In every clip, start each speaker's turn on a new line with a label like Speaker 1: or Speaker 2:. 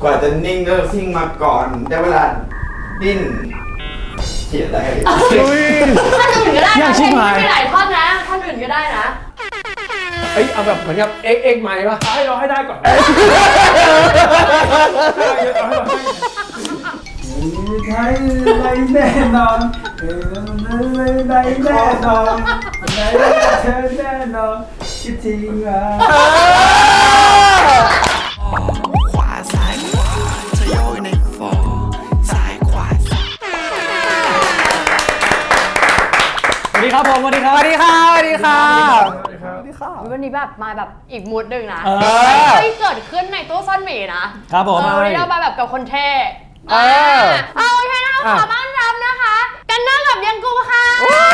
Speaker 1: กว่าจะนิ่งก็ซิ่งมาก่อนได้เวลาดิ้นเขียนอะไร
Speaker 2: ท่านอื่นก็ได้นะเพลงนี้ไม่หลายท่อนนะท่านอื่นก็ได้นะ
Speaker 3: เอาแบบเหมือนกับเอ็กใหม่ป่ะให้เราให้ได้ก่อน
Speaker 4: ใช่ไรแน่นอนไรแน่นอนไรเธอแน่นอนคิดทิ้งอ่ะ
Speaker 5: ขวาซ้ายขวาเธอโยกในฟอร์ซ้ายขวา
Speaker 3: สวัสดีครับผมสวัสดีครับสวัสดีครับสวัสดีครับ
Speaker 2: วันนี้แบบมาแบบอีกมูดหนึ่งนะไม่เกิดขึ้นในตู้ซ่อนหมีนะครับผมวันนี้เรามาแบบกับคนเท่เอาโอเคนะขอต้อนรับนะคะกันเนอร์กับยังกูค่ะ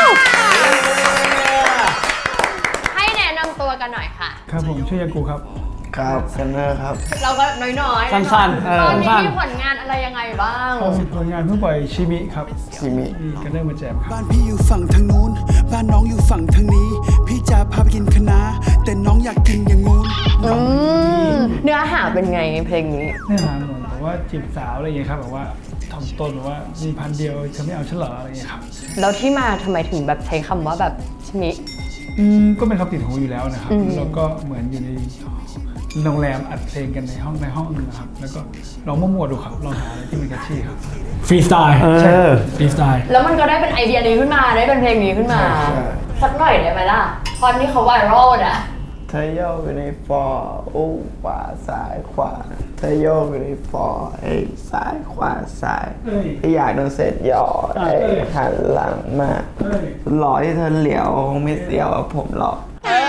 Speaker 2: ให้แนะนำตัวกันหน่อยค่ะ
Speaker 4: ครับผมชื่อยังกูครับ
Speaker 1: ครับกันเนอร์ครับ
Speaker 2: เราก็น้อย
Speaker 3: ๆสั้น
Speaker 2: ๆตอนนี้มีผลงานอะไรยังไงบ้าง
Speaker 4: ผลงานเพิ่งปล่อยชิมิครับ
Speaker 1: ชิมิ
Speaker 4: กันเนอร์มาแจมครับ
Speaker 5: บ้านพี่อยู่ฝั่งทางนู้นบ้านน้องอยู่ฝั่งทางนี้พี่จะพาไปกินคะน้าแต่น้องอยากกินอย่างงู้น
Speaker 2: เนื้อหาเป็นไงเพลงนี้
Speaker 4: เนื้อหาเหมือนแบบว่าจีบสาวอะไรอย่างเงี้ยครับแบบว่าถ่อมตนแบบว่ามีพันเดียวเธอไม่เอาฉันเหรออะไรอย่างเงี้ยครับ
Speaker 2: แล้วที่มาทำไมถึงแบบใช้คำว่าแบบชิมิ
Speaker 4: ก็เป็นคำติดหูอยู่แล้วนะครับแล้วก็เหมือนอยู่ในโรงแรมอัดเพลงกันในห้องนึงนะครับแล้วก็ลองมั่วๆดูครับลองหาอะไรที่มันแคชชี่ครับ
Speaker 3: ฟรีสไตล์
Speaker 4: ใช่ฟรีสไตล์
Speaker 2: แล้วมันก็ได้เป็นไอเดียนี้ขึ้นมาได้เป็นเพลงนี้ขึ้นมาสักหน่อยได้ไหมล่ะตอนที่เขาไวรัลอ่ะ
Speaker 1: เธอโยกอยู่ในฟอร์ขวาซ้ายขวาเธอโยกอยู่ในฟอร์ซ้ายขวาซ้ายอยากโดนเสร็จหยอดหันหลังมาหล่อที่เธอเหลียวคงไม่เสียวผมหรอก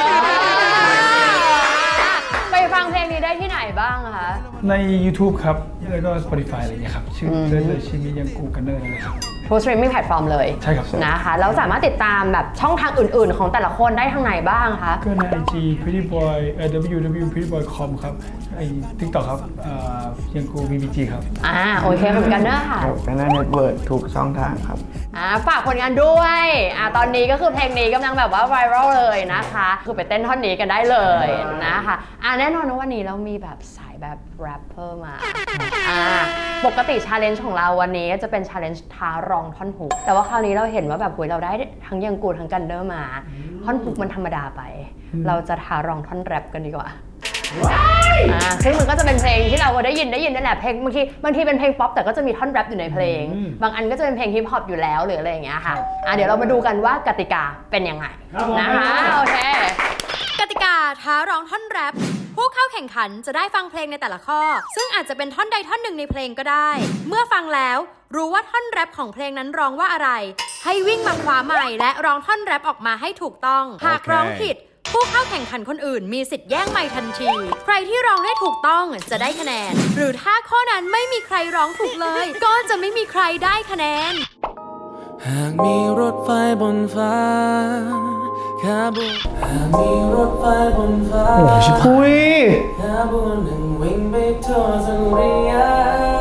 Speaker 2: ไปฟังเพลงนี้ได้ที่ไหนบ้างคะ
Speaker 4: ใน YouTube ครับแล้วก็ Spotify อะไรอย่างเงี้ยครับชื่อเลยชิมิยังกูกันเนอร์เลยครับ
Speaker 2: ทุกสตรีมมิ่งแพลตฟอร์มเลย
Speaker 4: ใช่ครับ
Speaker 2: นะคะแล้วสามารถติดตามแบบช่องทางอื่นๆของแต่ละคนได้ทางไหนบ้างคะ
Speaker 4: ก็ใน IG prettyboy www.prettyboy.com ครับไอ้ TikTok ครับยังกู BBG ครับ
Speaker 2: โอเคเหมือนกันเนอะค่ะ
Speaker 1: กันเนอร์เน็ตเวิร์กทุกช่องทางครับ
Speaker 2: ฝากผลงานด้วยตอนนี้ก็คือเพลงนี้กำลังแบบว่าไวรัลเลยนะคะคือไปเต้นท่อนนี้กันได้เลยนะคะแน่นอนว่าวันนี้เรามีแบบสายแบบแรปเปอร์มาปกติชาเลนจ์ของเราวันนี้จะเป็นชาเลนจ์ท้าร้องท่อนฮุกแต่ว่าคราวนี้เราเห็นว่าแบบเราได้ทั้งยังกูทั้งกันเนอร์มาท่อนฮุกมันธรรมดาไปเราจะท้าร้องท่อนแรปกันดีกว่าซึ่งมันก็จะเป็นเพลงที่เราได้ยินนั่นแหละเพลงบางทีเป็นเพลงป๊อปแต่ก็จะมีท่อนแรปอยู่ในเพลงบางอันก็จะเป็นเพลงฮิปฮอปอยู่แล้วหรืออะไรอย่างเงี้ยค่ะเดี๋ยวเรามาดูกันว่ากติกาเป็นยังไงนะคะโอเคกติกาท้าร้องท่อนแรปผู้เข้าแข่งขันจะได้ฟังเพลงในแต่ละข้อซึ่งอาจจะเป็นท่อนใดท่อนหนึ่งในเพลงก็ได้เมื่อฟังแล้วรู้ว่าท่อนแรปของเพลงนั้นร้องว่าอะไรให้วิ่งมาคว้าไมค์และร้องท่อนแรปออกมาให้ถูกต้องหากร้องผิดผู้เข้าแข่งขันคนอื่นมีสิทธิ์แย่งไมค์ทันทีใครที่ร้องได้ถูกต้องจะได้คะแนนหรือถ้าข้อนั้นไม่มีใครร้องถูกเลยก็จะไม่มีใครได้คะแนน
Speaker 5: หากมีรถไฟบนฟ้าขบวนหากมีรถไฟบนฟ้า
Speaker 3: โอ้ชิพุย
Speaker 5: ขบวนหนึ่งวิ่งไปทั่วสุริยะ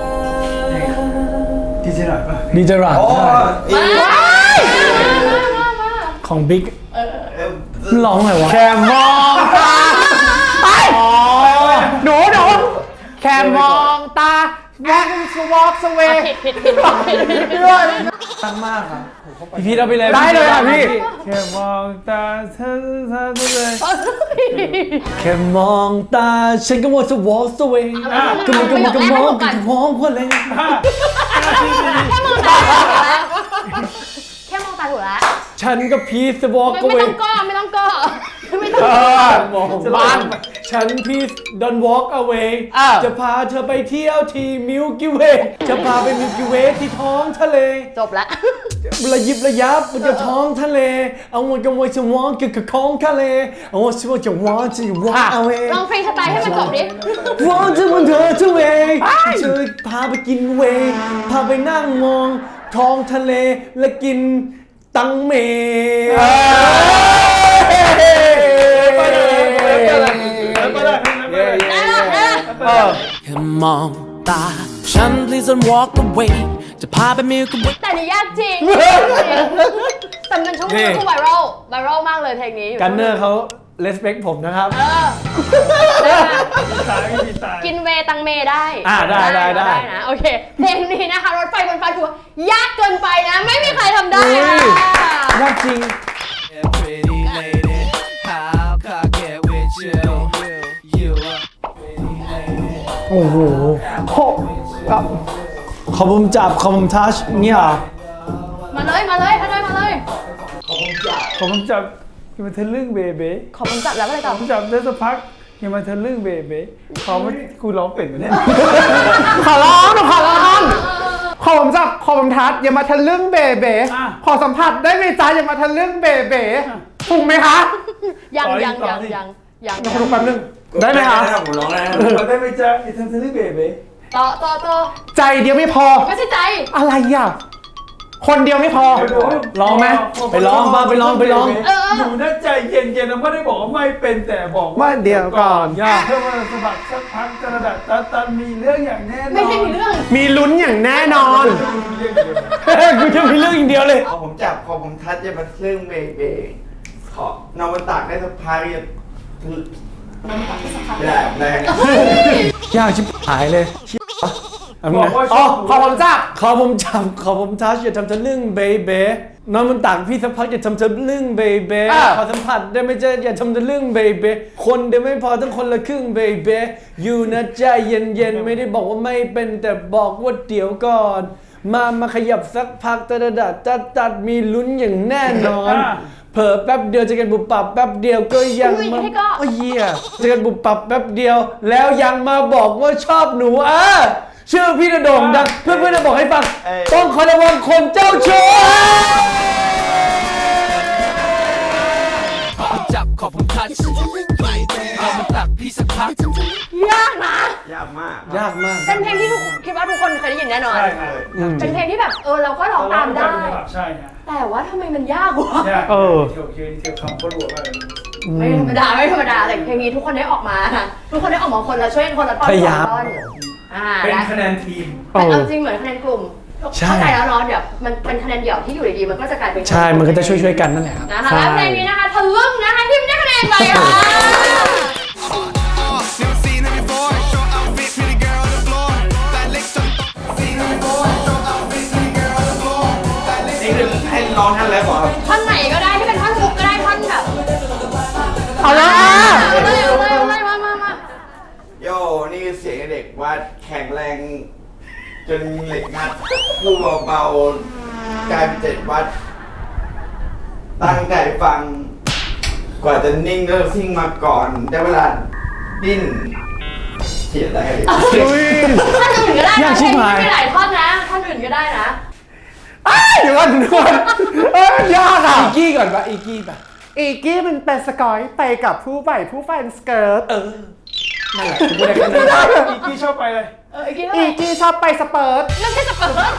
Speaker 4: ดีเจหน่อยป่ะ
Speaker 3: ดีเจหน่อยของบิ๊กร้องไงวะแคมมองตาหนูแคมมองตาwalk away
Speaker 2: ผิด
Speaker 3: ตั้งมากครับพี่เอาไปเลยได้เลยพี่
Speaker 4: แค่มองตาเธอเลย
Speaker 3: แค่มองตาฉันก็ว่าจะ walk away ก็มองก็มองเพราะเลย
Speaker 2: แค่มองตาถูกแล้ว
Speaker 3: ฉันก็พีซ walk away
Speaker 2: ไม่ต้องก็
Speaker 3: บ้านฉันพีซ don't walk away จะพาเธอไปเที่ยวที่ Milky Way จะพาไป Milky Way ที่ท้องทะเล
Speaker 2: จบละ
Speaker 3: ระยิบระยับบนท้องทะเลเอาวันกันไว้จะวอนกับของทะเลเอาวันจะวอนจะ walk away
Speaker 2: ลองเพลงสไตล์ให้มันจบดิ
Speaker 3: วอนจะวันเธอจะเวจะพาไปกินเวพาไปนั่งมองท้องทะเลและกินตังเม
Speaker 5: แค่มองตาฉัน please don't walk away จะพาไปมิลค์
Speaker 2: แต่นี่ยากจริงแต่มันช่วงนี้คือไวรัลมากเลยเพลงนี้
Speaker 3: กันเนอร์เขา respect ผมนะครับ
Speaker 4: ตายไม่มีตาย
Speaker 2: กินเวตังเมได้
Speaker 3: ได้
Speaker 2: นะโอเคเพลงนี้นะคะรถไฟบนฟ้าถือว่ายากเกินไปนะ ไม่มีใครทำได้
Speaker 3: อุ้ย
Speaker 2: ค่ะ
Speaker 3: ยากจริง
Speaker 5: Pretty lady How can I get with you You are pretty lady
Speaker 3: โอ้โหขอผมจับขอผมทัชเนี่ยเหรอ
Speaker 2: มาเลยถ้าได้มาเลย
Speaker 4: ผมจับอย่ามาทะลึ่งเบเบ้
Speaker 2: ขอผมจับแล้วก็เลยต่อ
Speaker 4: ผมจับได้สักพักอย่ามาทะลึ่งเบเบ้เขาไม่กูร้องเป็นเหมือนเนี่ย
Speaker 1: ขอร้องขอผมจับขอผมทัดอย่ามาทะลึ่งเบเบขอสัมผัสได้ไหมจ๊ะอย่ามาทะลึ่งเบเบถูกไหมคะ
Speaker 2: ยัง
Speaker 1: ดูแป๊บนึงได้ไหมคะ
Speaker 3: ผมร้องได้
Speaker 4: เราได้ไหมจ๊ะอย่าทำทะลึ่งเบเบ้
Speaker 2: ต่อ
Speaker 1: ใจเดียวไม่พอ
Speaker 2: ไม่ใช่ใจ
Speaker 1: อะไรอ่ะคนเดียวไม่พอ
Speaker 3: ร้องไหมไปร้องบ้างไปร้อง
Speaker 4: หนูน่าใจเย็นๆนะไม่ได้บอกว่าไม่เป็นแต่บอก
Speaker 1: ว่าเดี๋ยวก่อน
Speaker 4: ยากเพื่อมาสมัครสักพักกระดาษตันมีเรื่องอย่างแน่นอน
Speaker 2: ไม่ใช่มีเรื่อง
Speaker 1: มีลุ้นอย่างแน่นอน
Speaker 3: กูจะมีเรื่องอย่างเดียวเลย
Speaker 1: ขอผมจับขอผมทัดอย่ามาทะลึ่งเบเบขอนอนบนตักได้สักพักอย่าไม่ได้
Speaker 3: ยากชิบหายเลย
Speaker 4: บอกว่า
Speaker 1: อ๋อขอผมจับ
Speaker 3: ขอผมจับขอผมทัชอย่าทำทะลึ่งเบเบ้นอนบนตักพี่สักพักอย่าทำทะลึ่งเบเบ้ขอสัมผัสได้ไหมจ๊ะอย่าทำทะลึ่งเบเบ้คนเดียวไม่พอต้องคนละครึ่งเบเบ้อยู่นะใจเย็นๆไม่ได้บอกว่าไม่เป็นแต่บอกว่าเดี๋ยวก่อนมาขยับสักพักตัดมีลุ้นอย่างแน่นอน เผลอแป๊บเดียวจะกันบุบปับแป๊บเดียวก็ยังมาโอ้ยเหี้ยจะกันบุบปับแป๊บเดียว แล้วยังมาบอกว่าชอบหนูชื่อพี่ระโด่งดังเพื่อนๆจะบอกให้ฟังต้องคอยระวังคนเจ้าชู้
Speaker 5: จับขอบผมทัชเอามาตักพี่สักพัก
Speaker 2: ยากนะ
Speaker 1: ยากมาก
Speaker 3: ยากมาก
Speaker 2: เป็นเพลงที่คิดว่าทุกคนเคยได้ยินแน่นอน
Speaker 4: ใช่ครับ
Speaker 2: เป็นเพลงที่แบบเราก็ร้องตามได้
Speaker 4: ใช่ฮะ
Speaker 2: แต่ว่าทำไมมันยากวะ
Speaker 4: ยากเที่ยวคำก็รัวมาก
Speaker 2: ไม่ธรรมดาแต่เพลงนี้ทุกคนได้ออกมาทุกคนได้ออกมาคนละช่วยคนละตอน
Speaker 3: พยายาม
Speaker 4: เป็นคะแนนทีม
Speaker 2: เป็นเอาจริงเหมือนคะแนนกลุ่มเข้าใจแล้วเนาะเดี๋ยวมันเป็นคะแนนเดี่ยวที่อยู่ดีๆมันก็จะกลายเป็น
Speaker 3: ใช่มันก็จะช่วยๆกันนั่นแหละครับ
Speaker 2: นะคะแล้วเพลงนี้นะคะทะลึ่งนะคะที่ไม่ได้คะแนนไปค่ะ
Speaker 6: Never seen her before. Short outfit, pretty girl on the floor. That licked on seen her before. Short outfit, pretty girl on the floor. That licked
Speaker 1: นี่คือให้ร้องท่านแล้วเหรอครับ
Speaker 2: ท่อนไหนก็ได้ที่เป็นท่อนฮุกก็ได้ท่อนแบบ
Speaker 1: เอาละ
Speaker 2: เอาเลยมา
Speaker 1: โย่นี่คือเสียงเด็กว่าแข็งแรงจนเหล็กงัดพูดเบาๆกลายเป็น7 วัด ตั้งใจฟัง กว่าจะนิ่งเริ่มซิ่งมาก่อนได้เวลาดิ้นเสียได้
Speaker 2: ท่อนอื่นก็ได้
Speaker 3: ยากชิบหาย
Speaker 2: ไม่หลายท่อนนะท่อนอื่นก็ได้นะ
Speaker 1: เดี๋ยวก่อนยากอ่ะ
Speaker 3: อีกกี้ก่อนปะอีกกี้ปะ
Speaker 1: อีกี้มันเป็นสกอยไปกับผู้ใหม่ผู้แฟนสเกิร์ต
Speaker 3: นั่นแหละกูได้คะแนน
Speaker 4: อีกที่ชอบไปเลย
Speaker 2: อีกทีเท่าไห
Speaker 1: อี
Speaker 2: ร่
Speaker 1: กี้ชอบไปสเปิร์ต
Speaker 2: ไม่ใช่สเปิร์ต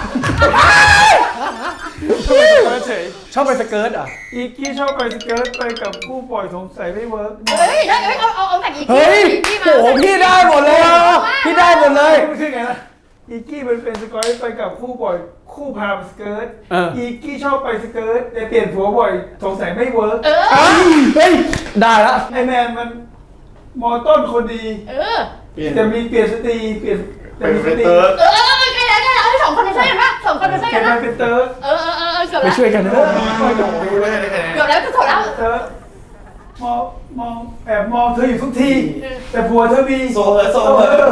Speaker 4: เฉย
Speaker 3: ชอบไปสเกิร์ตอ่ะ
Speaker 4: อีกที่ชอบไปสเกิร์ตไปกับผู้ปล่อยสงสัยไม่เวิร์ก
Speaker 2: เฮ้ยเอาแต่อีกที
Speaker 3: เฮ้ย
Speaker 2: อีกที
Speaker 3: โหพี่ได้หมดเลยพี่ได้หมดเลย
Speaker 4: ไม่ใช่ไงนะอีกกี้มันเป็นสกอยไปกับคู่บ่อยคู่พาไปสเกิร์ตอีกกี้ชอบไปสเกิร์ตแต่เปลี่ยนผัวบ่อยสงสัยไม่เวิร์ก
Speaker 3: เฮ้ยได้ละ
Speaker 4: ไอแมนมันมอต้นคนดี แต่มีเปลี่ยนสตรีแต่มีสตรี
Speaker 2: ใกล้แล้วสองคนเป็นใช่กันปะสองคนเป็นใช่
Speaker 4: แก
Speaker 2: กัน
Speaker 4: มา
Speaker 2: ปะ
Speaker 4: เป็นเติร์ด
Speaker 2: เกือบ
Speaker 3: ไป
Speaker 2: แล้ว
Speaker 3: ช่วยกันนะ
Speaker 2: เกือบแล้วจะจบแล้ว
Speaker 4: เติร์ดมองแอบมองเธออยู่ทุกทีแต่ผัวเธอมี
Speaker 1: โซเฮอร์โซเฮอร์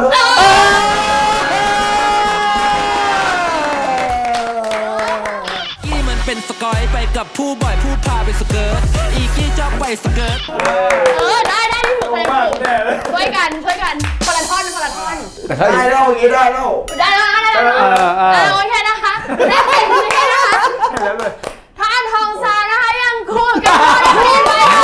Speaker 5: กี้มันเป็นสกอยไปกับผู้บ่อยผู้พาไปสเกิร์ตอีกี้ชอบไปสเกิร์ต
Speaker 2: ได้ที่ถูกเลย
Speaker 4: มากแน่เลย
Speaker 2: ช่วยกันคนละท่อน
Speaker 1: ได้แล้วอย่างนี้ได้แล้ว
Speaker 2: ได้แล้วโอเคนะคะได้เพลงนี้นะคะ
Speaker 4: แล้วเลย
Speaker 2: ท่านทองซานะคะยังคู่กับท่อนเพลงไปค่ะ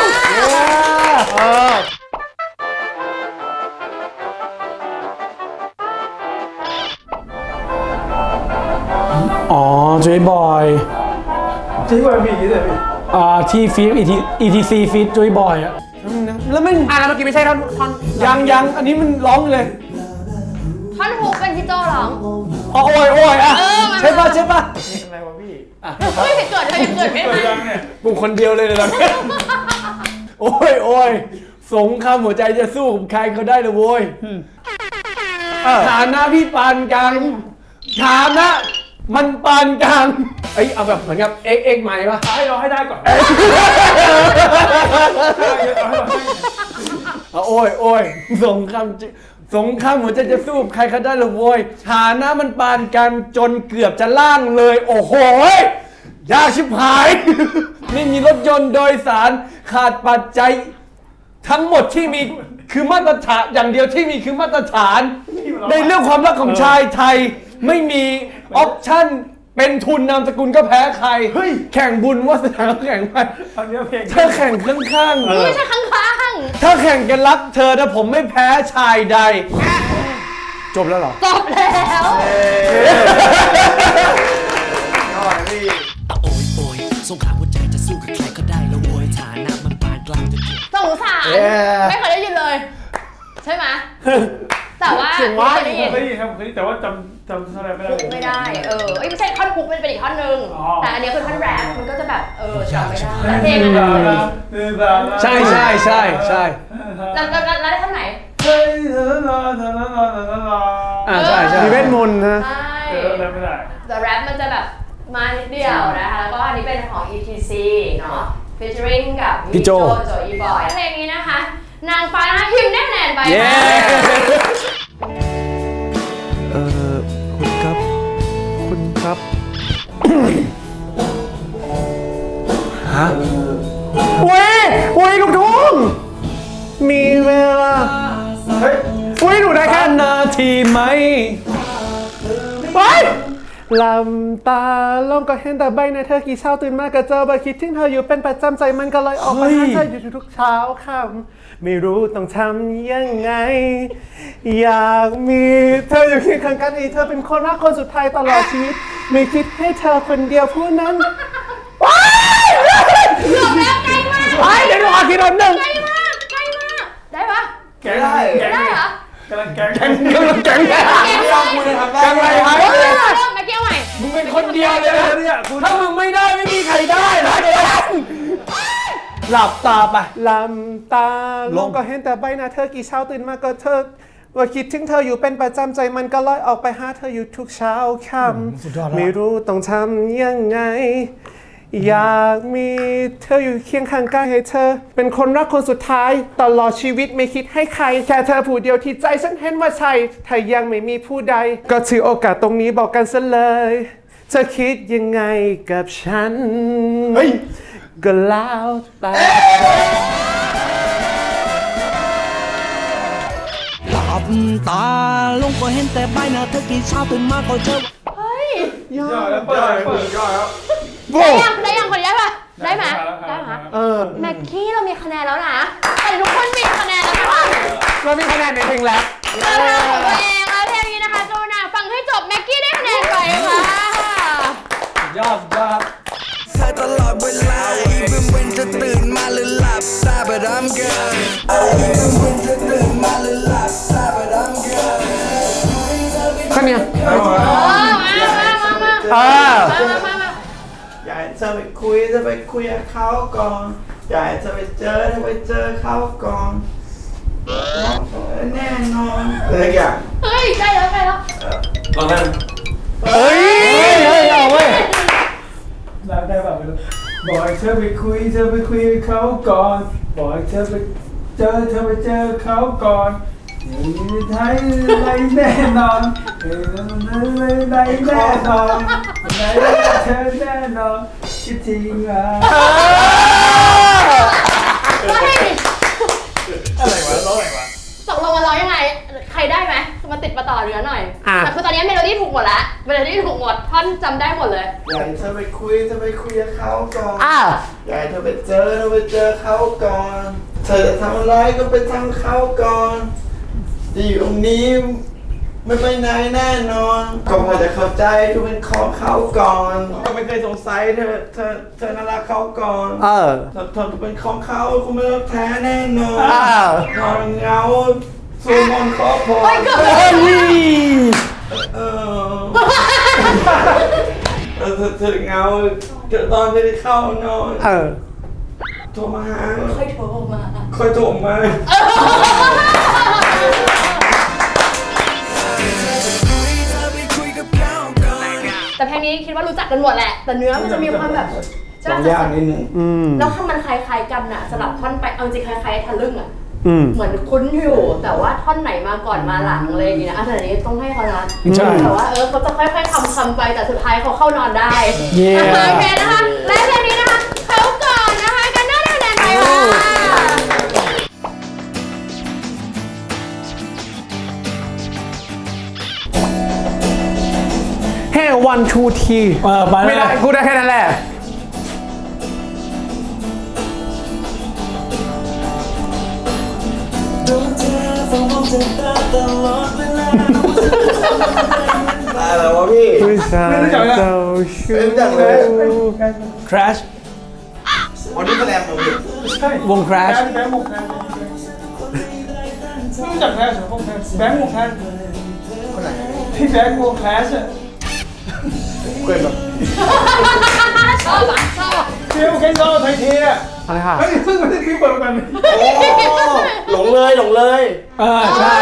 Speaker 3: อ๋อเจบอย
Speaker 4: ที่ว่ามีเลยพี่
Speaker 3: ที่ฟีด ETC ฟีดเจบอยอ่ะแล้วมัน
Speaker 1: แล้วเมื่อกี้ไม่ใช่ท่อน
Speaker 3: ยังอันนี้มันร้องเลย
Speaker 2: ท่อนฮุกเป็นพี่โจร้อง
Speaker 3: อ๋อโอ้ยอ่ะใช่ป่ะ
Speaker 1: อะไรวะพี่
Speaker 2: เฮ้ยเกิดเธอยังเกิดไม่
Speaker 4: เปิด
Speaker 2: ได้
Speaker 4: ยังเนี่ย
Speaker 3: กูคนเดียวเลยตอนนี้โอ้ยสงครามหัวใจจะสู้กับใครเขาได้เลยโว้ยฐานะพี่ปานกลางฐานะมันปานกลางเอาแบบเหมือนกับเอ็กใหม่ปะ
Speaker 4: ให้เราให้ได้ก่อน
Speaker 3: โอ้ยสงครามหัวใจจะสู้กับใครเขาได้เลยโว้ยฐานะมันปานกลางจนเกือบจะล่างเลย โอ้โหยากชิบหาย ไม่มีรถยนต์โดยสารขาดปัจจัยทั้งหมดที่มีคือมาตรฐานอย่างเดียวที่มีคือมาตรฐาน ในเรื่องความรักของชายไทยไม่มีออปชั่นเป็นทุนนามสกุลก็แพ้ใครแข่งบุญวาสนาก็แข่งไป
Speaker 4: ตอนนี้เพลง
Speaker 3: ถ้าแข่งข้าง
Speaker 2: ไม่ใช่ข้าง
Speaker 3: ๆถ้าแข่งกันรักเธอแต่ผมไม่แพ้ชายใด จบแล้วเหรอ
Speaker 2: ๆจบแล้ว
Speaker 5: โอ้ยสงครามหัวใจจะสู้กับใครก็ได้แล้วโวยฐานะมันปานกลางจะเกี่ยว
Speaker 2: สงสาร
Speaker 3: Yeah
Speaker 2: ไม่เคยได้ยินเลย ใช่ไหมแต่ว่า
Speaker 3: เสียงว่า
Speaker 2: เคยได้ยิน
Speaker 4: เคยได้ยินครับเคยได้ยินแต่ว่าจำแสดงไม่ได้
Speaker 2: ไม่ได้ไม่ใช่ท่อนฮุกมันเป็นอีกท่อนหนึง
Speaker 4: อ๋อ
Speaker 2: แต่อันนี้คือท่อนแรปมันก็จะแบบจำไม่ได้แต่เพลงอันนั้นเลย
Speaker 3: ใช่
Speaker 2: แล้วได้ท่อนไหน
Speaker 4: เฮ้ย
Speaker 3: ใช่มีเวทมนต์นะ
Speaker 2: ใช่
Speaker 4: ไม่ได้
Speaker 2: แต่แรปมันจะแบบมานิดเดียวนะคะแล้วก็อันนี้เป็นของ ETC เนาะ featuring กับ
Speaker 3: พี่โจ
Speaker 2: โจอีบอยเพลงนี้นะคะ นางฟ้านะคะพิมพ์ได้คะแนนไป
Speaker 3: เย้
Speaker 2: ค่ะ
Speaker 1: คุณครับ
Speaker 3: ฮะ
Speaker 1: อุ้ยลูกทุ่งมีเวลาอุ้ยหนูได้แค่
Speaker 3: นาทีไหม
Speaker 1: ไปลำตาลงก็เห็นแต่ใบหน้าเธอกี่เช้าตื่นมาก็เจอบ่คิดถึงเธออยู่เป็นประจำใจมันก็เลยออกมาหาเธออยู่ทุกเช้าค่ำไม่รู้ต้องทำยังไง อยากมีเธออยู่เคียงข้างกันให้เธอเป็นคนรักคนสุดท้ายตลอดชีวิตไม่คิดให้เธอคนเดียวผู้นั้นว้าย
Speaker 2: เกือบแล้วใกล้มาก
Speaker 1: ไปเดี๋ยวหนูขอทีละหนึ่ง
Speaker 2: ใกล้มากได้ปะ
Speaker 4: แก๊ง
Speaker 2: ได้เหรอก
Speaker 4: ำลังแก๊ง
Speaker 3: แก๊งอะไรครับ
Speaker 2: เริ่มมาเกี่ยวใหม่
Speaker 3: มึงเป็นคนเดียวเลยนะ
Speaker 4: เนี่ยคุณ
Speaker 3: ถ้ามึงไม่ได้ไม่มีใครได้นะหลับตาไป
Speaker 1: ลำตาลงก็เห็นแต่ใบหน้าเธอกี่เช้าตื่นมาก็เธอว่าคิดถึงเธออยู่เป็นประจำใจมันก็ลอยออกไปหาเธออยู่ทุกเช้าค่ำไม่รู้ต้องทำยังไง อยากมีเธออยู่เคียงข้างกายให้เธอ เป็นคนรักคนสุดท้ายตลอดชีวิตไม่คิดให้ใครแค่เธอผู้เดียวที่ใจฉันเห็นว่าใช่ถ้ายังไม่มีผู้ใด ก็ถือโอกาสตรงนี้บอกกันซะเลยเธอคิดยังไงกับฉันก็แล้วแต่
Speaker 5: หลับตาลงก็เห็นแต่ใบหน้าเธอกี่เช้าตื่นมาก็เจอ
Speaker 2: เฮ้ย
Speaker 4: ยอดแล้วเปิด
Speaker 2: ได้ยังคนนี้ได้ปะได้ไหมได้ไหมแม็กกี้เรามีคะแนนแล้วนะแต่ทุกคนมีคะแนนแล้วนะคะ
Speaker 1: เรามีคะแนนในเพลงแล้ว
Speaker 2: เราทำของตัวเองแล้วเพลงนี้นะคะโจนาฟังให้จบแม็กกี้ได้คะแนนไปค่ะ
Speaker 3: ยอด
Speaker 6: เธอตลอดเวลา even when จะตื่นมาหรือหลับตา but I'm good even when จะตื่นมาหรือหลับตา but I'm good
Speaker 1: ข้างเนี้ย
Speaker 2: มา
Speaker 1: อยากให้เธอไปคุยจะไปคุยกับเขาก่อนอยากให้เธอไปเจอเธอไปเจอเขาก่อนแน่นอนอะไรอย่าง
Speaker 2: เฮ้ยได้แล้วได้แล้ว
Speaker 3: ลองได้
Speaker 1: เฮ้ยเอาเว้ย
Speaker 4: ได้แบบไม่รู้บอกให้เธอไปคุยกับเขาก่อนบอกให้เธอไปเจอเขาก่อนไทยอะไรแน่นอนอะไรแน่นอนไหนเธอแน่นอนคิดทิ้งอ่ะ อะไรวะร้องอะไรวะ
Speaker 2: ตกลงมาร้องยังไง ใครได้ไหมมาติดมาต่อเรือหน่อยแต่คือตอนนี้เมโลดี้ถูกหมดแล้วเมโลดี้ถูกหมดท่อนจำได้หมดเลย
Speaker 1: อยากให้เธอไปคุยกับเขาก่อนอยากให้เธอไปเจอเขาก่อนเธอจะทำอะไรก็ไปทำเขาก่อนจะอยู่ตรงนี้ไม่ไปไหนแน่นอนก็พอจะเข้าใจทุกเป็นของเขาก่อนก็ไม่เคยสงสัยเธอน่ารักเขาก่อนเธอเป็นของเขาคุณไม่รักแท้แน่นอนนอนเหงาสูมนต์ขอพรเธอเหงาตอนที่ได้เข้านอนโทรมา
Speaker 2: ค่อยโทรมา
Speaker 1: ค่อยโทรมา
Speaker 2: แต่เพลงนี้คิดว่ารู้จักกันหมดแหละ แต่เนื้อมันจะมีความแบบจะ
Speaker 1: ต้องยากนิดนึง
Speaker 2: แล้วคำมันคล้ายๆกันน่ะสลับท่อนไปเอาจริงคล้ายๆทะลึ่งอ่ะเหมือนคุ้นอยู่แต่ว่าท่อนไหนมาก่อนมาหลังอะไรอย่างเงี้ยนะอันนี้ต้องให้เขานะแต่ว่าเขาจะค่อยๆคำไปแต่สุดท้ายเขาเข้านอนได้โอเคนะคะและเพลงนี้นะคะเขาก่อนนะคะกันได้คะแนนไปค่ะ
Speaker 3: แค่วันทูทีไม่ได้กูได้แค่นั้นแหละ
Speaker 1: อะไรวะพี่
Speaker 4: ไม่รู้จักเลย
Speaker 1: ไม่รู้จักเลย
Speaker 3: Crash
Speaker 1: วันนี้แสดงผม
Speaker 4: ใช่
Speaker 3: วง Crash
Speaker 4: แบงค์วงแคสไม่รู้จักแคสเหรอวงแคสแบงค์วงแคสพี่แบงค์วงแคสอะ
Speaker 1: เกิดแบบ
Speaker 2: ชอบอ่ะชอบ
Speaker 4: เที่ยวแค่ชอบไทยเทีย
Speaker 3: อะไรค่ะ
Speaker 4: เฮ้ยเพิ่งมาได้คลิปเปิดกัน
Speaker 1: โอ้หลงเลยหลงเลย
Speaker 3: ใช่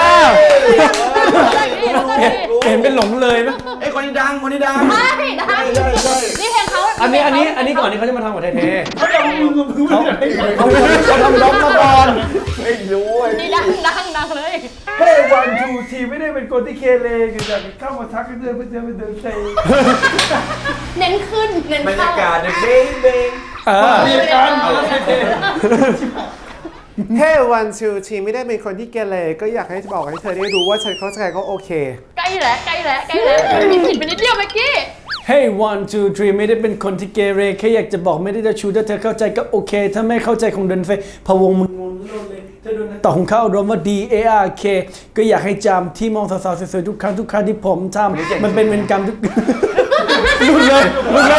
Speaker 3: เห็นเป็นหลงเลยไหม
Speaker 1: ไอ้คนนี้ดังคนนี้ดัง
Speaker 2: ได้นี่เพลงเขา
Speaker 3: อันนี้ก่อนที่เขาจะมาทำกับไทเท
Speaker 4: เขาจะมึงไม่รู้จัก
Speaker 3: เขาทำด็อกมาก่อน
Speaker 1: ไม่รู้ไอ้
Speaker 2: นี่ดังเลย
Speaker 4: เฮ้ยวันทูทีไม่ได้เป็นคนที่เคเลคือจะเข้ามาทักกันเดินไปเดินเซ
Speaker 2: เน้นขึ้นเน้น
Speaker 1: บรร
Speaker 2: เข้าย
Speaker 1: ากาศเนี่ยเบ้งเบ้ง
Speaker 4: มีการอะไรเท่
Speaker 7: เฮ้วันชูทีไม่ได้เป็นคนที่เกเรก็อยากให้บอกให้เธอได้รู้ว่าฉันเข้าใจก็โอเค
Speaker 2: ใกล้แล้วมีผิดไปนิดเดียวเมื่อกี้
Speaker 3: Hey 1 2 3ไม่ได้เป็นคนที่เกเรแค่อยากจะบอกไม่ได้จะชูถ้าเธอเข้าใจก็โอเค ถ้าไม่เข้าใจคงเดินไปพะวงมึงงงเลยถ้าโดนต่อของเข้ารวมว่า D A R K ก็อยากให้จำที่มองสาวๆสวยๆทุกครั้งที่ผมทำมันเป็นเวรกรรมทุกหลุดเลย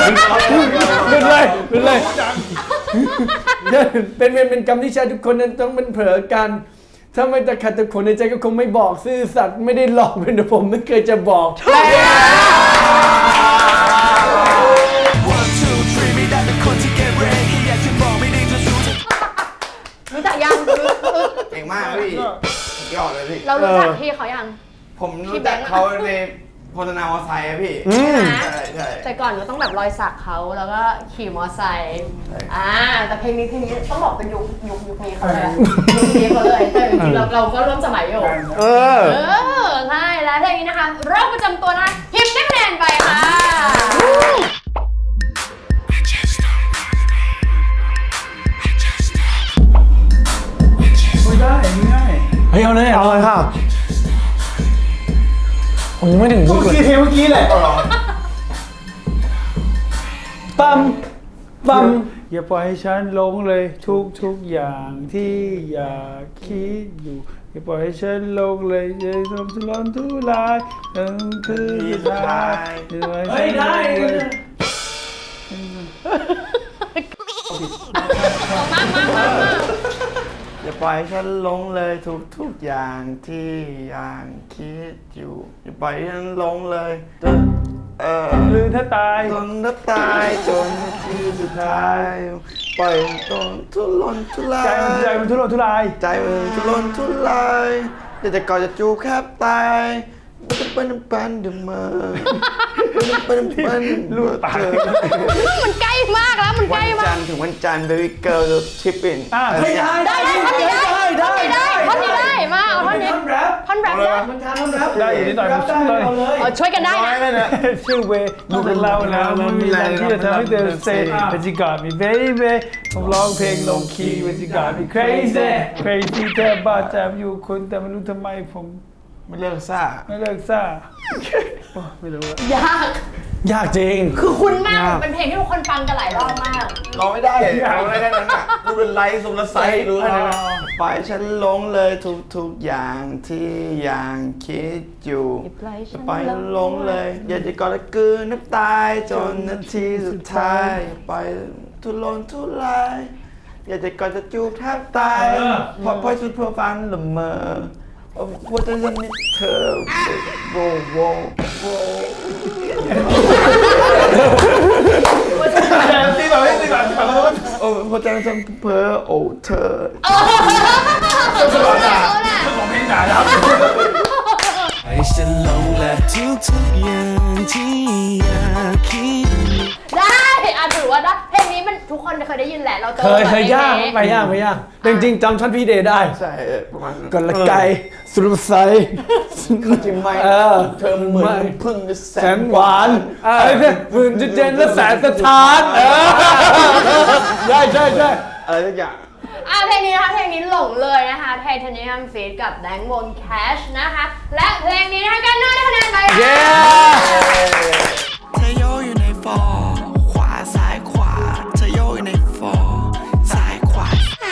Speaker 3: เป็นกรรมที่ชายทุกคนนั้นต้องเป็นเผลอกัน ถ้าไม่ตะขัดตะขนในใจก็คงไม่บอกซื่อสัตย์ไม่ได้หลอกเป็นแต่ผมไม่เคยจะบอก
Speaker 2: รู้จักยัง
Speaker 1: เก่งมากพี่ยอดเลยพี่
Speaker 2: เรารู้จักพี่เขายัง
Speaker 1: ผมรู้จักเขาในโฆษณามอไซค์อะพี่ใช่
Speaker 2: แต่ก่อนก็ต้องแบบรอยสักเขาแล้วก็ขี่มอไซค์แต่เพลงนี้ต้องบอกเป็นยุคนี้เขาเลยยุคนี้เขาเลยแต่จริงๆเราก็ร่วมสมัยอยู่ใช่แล้วเพลงนี้นะคะโรคประจำตัวนะคะพิมพ์ได้คะแนนไปค่ะ
Speaker 4: ไม่ได้ง่าย
Speaker 3: เฮ้ยเอาเลยค่ะผมยังไม่ถึง
Speaker 4: เมื่
Speaker 3: บุ
Speaker 4: อก กี้เพลงเมื่อกี้แหละ
Speaker 3: ปั๊ม
Speaker 4: อย่าปล่อยให้ฉันหลงเลยทุกอย่างที่อยากคิดอยู่อย่าปล่อยให้ฉันหลงเลยอย่าทำทุรนทุรายคือสุดท้าย
Speaker 3: เฮ้ยได้
Speaker 1: อย่าปล่อยให้ฉันหลงเลยทุกอย่างที่ยังคิดอยู่อย่าปล่อยให้ฉันหลงเลยจน
Speaker 4: ลืมถ้าตาย
Speaker 1: จนถ้าตายจนที่สุดท้ายปล่อยตนทุรนทุราย
Speaker 4: ใจมันทุรนทุราย
Speaker 1: ใจมันทุรนทุรายอยากจะกอดจะจูบแคบตายปันเดมอปันลูกเธอ
Speaker 2: มันใกล้มากแล้วมันใก
Speaker 1: วั
Speaker 2: ล้
Speaker 1: น
Speaker 2: มา
Speaker 1: จั
Speaker 2: ก
Speaker 1: นทร์ถึงวันจันทร์ baby girl the tipping
Speaker 2: ได้ท่อนนี้ได้มาเอาท่อนนี้ท่อนแรปได้
Speaker 4: ได้อีกนิดหน่อยผมช่วยเลย
Speaker 2: ช่วยกันได้นะ
Speaker 4: ชื่อเวดูเป็นเราแล้วมันมีอะไรที่จะทำให้เธอเซ่เป็นจิกาดมี baby ผมร้องเพลงลงคีย์เป็นจิกาดมี crazy แทบบ้าแทบอยู่คนแต่ไม่รู้ทำไมผม
Speaker 1: ไม่เลิกซ่า
Speaker 4: ไม่เลิกซ่าไม่รู้
Speaker 3: ยากจริง
Speaker 2: คือคุ้นมากเป็นเพลงที่ทุกคนฟังกันหลายรอบมาก
Speaker 1: ร้องไม่ได้ร้องไม่ได้แค่นั้นอ่ะรู้เป็นไลฟ์สมรสไซรู้นะปล่อยฉันหลงเลยทุกอย่างที่ยังคิดอยู่ปล่อยฉันหลงเลยอยากจะกอดและกลืนน้ำตายจนนาทีสุดท้ายปล่อยทุรนทุรายอยากจะกอดจะจูบแทบตายพอชุดเพื่อฟันละเมอว่าจะยังมีเธอโว
Speaker 4: ตีแบบตีแบบ
Speaker 1: โอ้หัวใจฉันเพ้อโอ้เธอ
Speaker 4: ของเพลงด่าครับ
Speaker 5: ให้ฉันหลงและทุกๆอย่างที่อยากคิด
Speaker 2: ได้ถือว่าได้เพลงนี้มันทุกคนเคยได้ยินแหละเราเจอ
Speaker 3: เคยยากไปยากแต่จริงๆจำท่อนพี่เดย์ได้
Speaker 1: ใช่ประมาณนั้น
Speaker 3: ก่อนละไกสุรไซ
Speaker 1: เขาจริงไหมเธอเหมือนพึ่งแส
Speaker 3: แส
Speaker 1: น
Speaker 3: นหวานไอ้เนี่ยหมื่นจะเจนและแสนสถานใช่
Speaker 1: อะไรทุกอย่าง
Speaker 2: เพลงนี้นะคะเพลงนี้หลงเลยนะคะ Titanium Feat กับแบงค์วง Cash นะคะและเพลงนี้นะคะกันได้คะแนนไป
Speaker 3: เย้
Speaker 6: เธอโยอยู่ในฟอร์ขวาซ้ายขวาเธอโยอยู่ในฟอร์ซ้ายขวา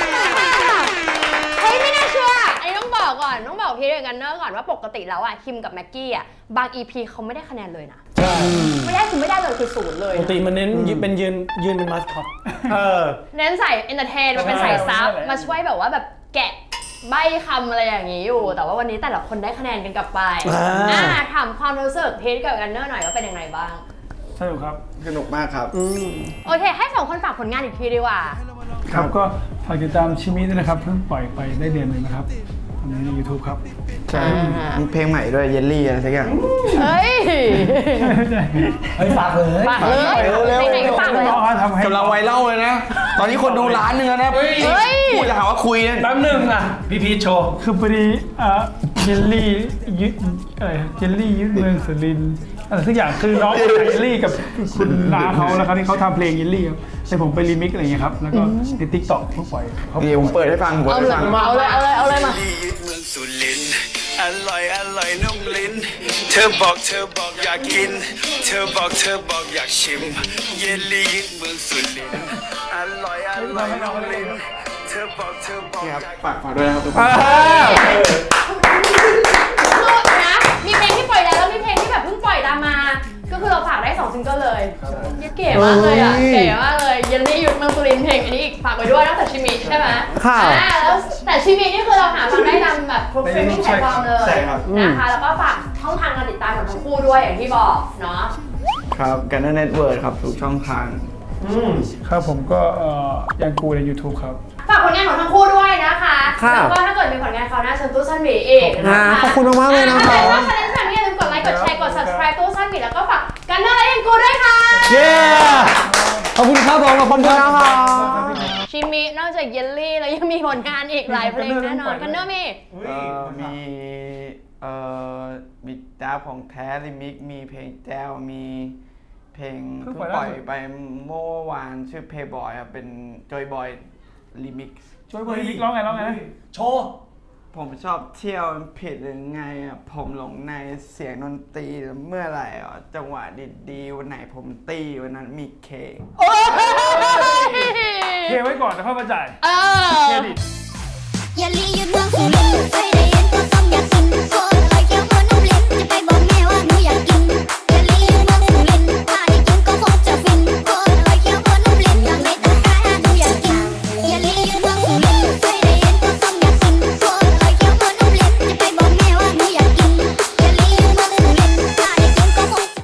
Speaker 2: เฮ้ยไม่น่าเชื่ออันนี้ต้องบอกก่อนต้องบอกพี่เดกันเนอร์ก่อนว่าปกติแล้วอะคิมกับแม็กกี้อะบาง EP เขาไม่ได้คะแนนเลยนะไม่ได้คือไม่ได้เลยคือศูนย์เลย
Speaker 3: ปกติมันเน้นเป็นยืนเป็นมาสคอต
Speaker 2: เน้นใส่เอนเตอร์เทนมาเป็นใส่ซับมาช่วยแบบว่าแบบแกะใบคำอะไรอย่างนี้อยู่ แต่ว่าวันนี้แต่ละคนได้คะแนนกันกลับไปถามความรู้สึกพีทกับกันเนอร์หน่อยว่าเป็นยังไงบ้าง
Speaker 4: สนุกครับ
Speaker 1: สนุกมากครับ
Speaker 2: โอเคให้สองคนฝากผลงานอีกทีดีกว่า
Speaker 4: ครับก็ฝากติดตามชิมิด้วยนะครับเพิ่งปล่อยไปได้เดือนหนึ่งนะครับตอนนี้ใน YouTube ครับ
Speaker 1: ใช่มีเพลงใหม่ด้วยเยลลี่อะไรสักอย่าง
Speaker 2: เฮ้ย
Speaker 3: เฮ้ยฝากเลย
Speaker 2: ฝากเลยเพลงไหนก็ฝากเลย
Speaker 4: น้องเขาทำให้
Speaker 1: กำลังไวรัลเลยนะ ตอนนี้คนดูล้านหนึงแล้วนะ
Speaker 2: เฮ้ย
Speaker 1: พูดจะหาว่าคุยเนี่ย
Speaker 3: แป๊บนึงอ่ะพี่พีชโชว์
Speaker 4: คือพอดีเยลลี่ยึดอะไรเยลลี่ยึดเมืองสุรินทร์อะไรสักอย่างคือน้องเยลลี่กับคุณน้าเขาแล้วครับที่เขาทำเพลงเยลลี่ครับแต่ผมไปรีมิกซ์อะไรอย่างเงี้ยครับแล้วก็ในติ๊กต็อกเพิ่งปล่อยเขา
Speaker 1: เดี๋ยวผมเปิดให้ฟังผม
Speaker 2: เอา
Speaker 1: เปิด
Speaker 2: เล
Speaker 1: ให้
Speaker 2: ย
Speaker 1: ฟัง
Speaker 2: เอาเลยมา
Speaker 6: ยึดเมืองสุรินทร์อร่อยนุ่มลิ้นเธอบอกอยากกินเธอบอกอยากชิมเยลลี่ยึดเมืองสุรินทร์อร่อยนุ่มลิ้นเธอบอกอยาก
Speaker 1: ฝากด้วยนะครับทุกคน
Speaker 2: คือนะมีเพลงที่ปล่อยแล้วมีเพลงที่แบบเพิ่งปล่อยตามมา ก็คือเราฝากได้2ซิงเกิลเลยเก๋มากเลยอ่ะเก๋มากเลยเยลลี่ยุทธเมืองสุรินทร์เพลงอันนี้อีกฝากไว้ด้วยนอกจากชิมิใช่ไหมค่ะแล้วแต่ชิมินี่คือเราหาฟังได้ตามแบบทุกสตรีมมิ่งแพลตฟอร์มเลยนะคะแล้วก็ฝากช่องทางการติดตามของทั้งคู่ด้วยอย่างที่บอกเนาะ
Speaker 1: ครับกันเน็ตเวิร์ดครับทุกช่องทาง
Speaker 4: ครับผมก็ยังกูใน YouTube ครับ
Speaker 2: ฝากผลงานของทั้งคู่ด้วยนะคะแล้วก็ถ้าเกิดมีผลงานคราวหน้าเชิญตู้สั้นหมีอีกนะคะ
Speaker 7: ขอบคุณมากๆเลยนะคะ
Speaker 2: ถ้าใครได้ชมอย่าลืมกดไลค์กดแชร์กด subscribe ตู้สั้นหมีแล้วก็ฝากกันเนอร์และยังกูด้วยค่ะ
Speaker 3: เย้ขอบคุณครับผมขอบคุณครับ
Speaker 2: ชิมินอกจากเยลลี่แล้วยังมีผลงานอีกหลายเพลงแน่นอนกันเนอร์มี
Speaker 1: มีบิดดาของแท้ลิมิกมีเพลงแจ้วมีเพลงเพิ่งปล่อยไปเมื่อวานชื่อ Playboy ครับเป็น Joy Boy Remix
Speaker 4: ช่วยบริลิกร้องไง
Speaker 3: โชว์
Speaker 1: ผมชอบเที่ยวมันผิดหรือไงอ่ะผมหลงในเสียงดนตรีเมื่อไหร่อ่ะจังหวะดีๆวันไหนผมตีวันนั้นมีเคก
Speaker 4: เทไว้ก่อนแล้วค่อยมาจ่าย
Speaker 2: เออ
Speaker 4: เครดิต
Speaker 8: อย่าลีหยุดเมืองสุรินทร์ไปได้